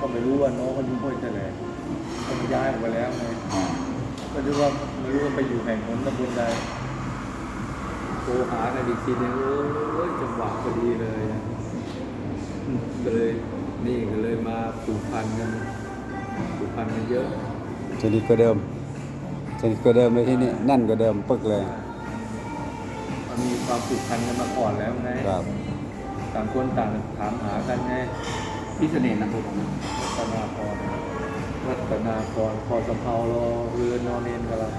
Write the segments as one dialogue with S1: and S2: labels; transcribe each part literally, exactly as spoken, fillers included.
S1: ก็ไม่รู้ว่าน้องเขาอยู่ห้วยแถลงต้องย้ายออกไปแล้วไงก็รู้ว่าไม่รู้ว่าไปอยู่แห่งหนตำบลใดโทรหากันอีกทีนึงโอ้ยจังหวะพอดีเลยก็เลยนี่ก็เลยมาผูกพันกันผูกพันกันเยอะ
S2: สนิทกว่าเดิมสนิทกว่าเดิมเลยที่นี่แน่นกว่าเดิมปึ๊กเลย
S1: มันมีความผูกพันกันมาก่อนแล้วไง
S2: ครับ
S1: ต่างคนต่างถามหากันไง
S3: พี่เสน่ห์นะผม
S1: รัตนาพรรัตนาพรพอสะเพารอเรือนอนเนนกันละ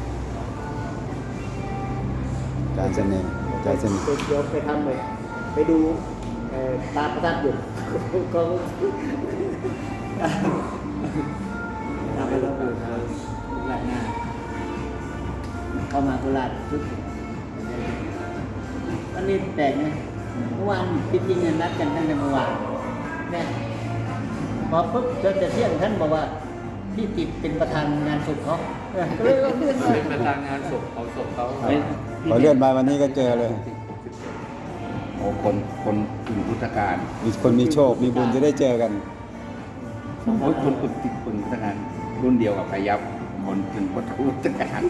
S2: การเสน่ห์การเสน่ห์
S4: เดี๋ยวไปทำเลยไปดูตาประทับอยู่ก็ทำไปแล้วก็หลายหน้าเข้ามาโคราชทุกวันนี้แปลกนะเมื่อวานจริงๆนัดกันตั้งแต่เมื่อวานเนี่ยพอปุ๊บเจอแต่เที่ยงท่านบอกว่าพี่ติดเป็นประธานงานศพเขาก็เลยเลื่อนมา
S1: เป็นประธานงานศพเขาศพเขา
S2: พอเลื่อนมาวันนี้ก็เจอเลย
S3: โอ้คนคนถึงพุทธการ
S2: มีคนมีโชคมีบุญจะได้เจอกัน
S3: คนคนคนติดคนพุทธการรุ่นเดียวกับพยับคนถึงพุทธการ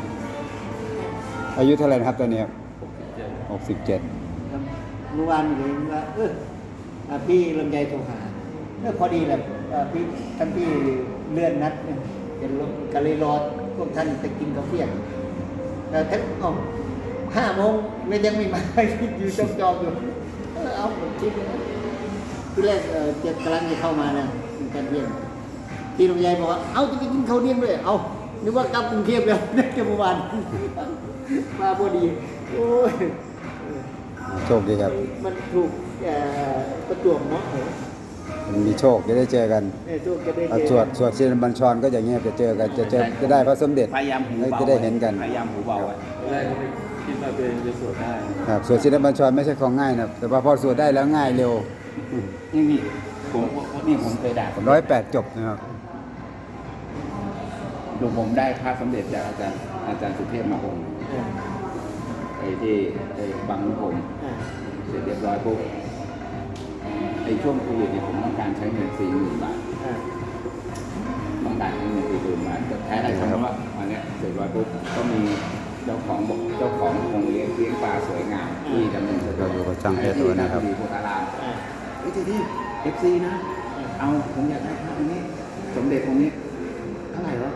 S2: อายุเท่าไหร่นะครับตอนนี้หกสิบเจ็ด
S4: เมื่อวานเห็นว่าเออพี่ลำไยโทรหาเออพอดีแหละพี่ท่านพี่เลื่อนนัดเนี่ยเป็นรถกะเลยรอพวกท่านไปกินกาแฟแต่ท่านอ๋อห้าโมงไม่ยังไม่มาอยู่จอมจอมอยู่เออเอาคิดนะที่แรกเออจะกำลังจะเข้ามานะการเรียนพี่ลำไยบอกว่าเอาจะไปกินข้าวเที่ยงด้วยเอานึกว่ากลับกรุงเทพแล้วได้แค่เมื่อวานมาพอดีโอ้ย
S2: โชคดีครับ
S4: มันถูกประจวบเนาะ
S2: มันมีโชคจะได้เจอกันสวดสวดศิลบัญชรก็อย่างเงี้ยจะเจอกันจะเจอจะได้พระสมเด็จ
S3: พยายามหูเบา
S2: จะได้เห็นกัน
S3: พยายามหูเบาไว้
S1: แรกก็ไม่คิดว่าตัวเองจะสวดได้
S2: ครับสวดศิลบัญชรไม่ใช่ของง่ายนะแต่ว่าพอสวดได้แล้วง่ายเร็ว
S3: นี่นี่ผมนี่ผมเคยด่า
S2: ร้อยแปดจบนะครับ
S3: ดูผมได้พระสมเด็จจากอาจารย์อาจารย์สุเทพมาองค์ไอ้ที่ไอ้บังผมเสร็จเรียบร้อยปุ๊บไอ้ช่วงโควิดเนี่ยผมต้องการใช้เงินสี่หมื่นบาทต้องการใช้เงินสี่หมื่นบาทแต่แท้ได้คำว่าวันนี้เสร็จร้อยปุ๊บก็มีเจ้าของบอกเจ้าของคงเลี้ยงเลี้ยงปลาสวยงามที่ดำเนิน
S2: เราอยู่กับช่างเพชรตัวนะครับ
S3: มีโพธารามไอ้ที่ที่เอฟซีนะเอาผมอยากได้ภาพนี้สมเด็จองค์นี้เท่าไหร่วะ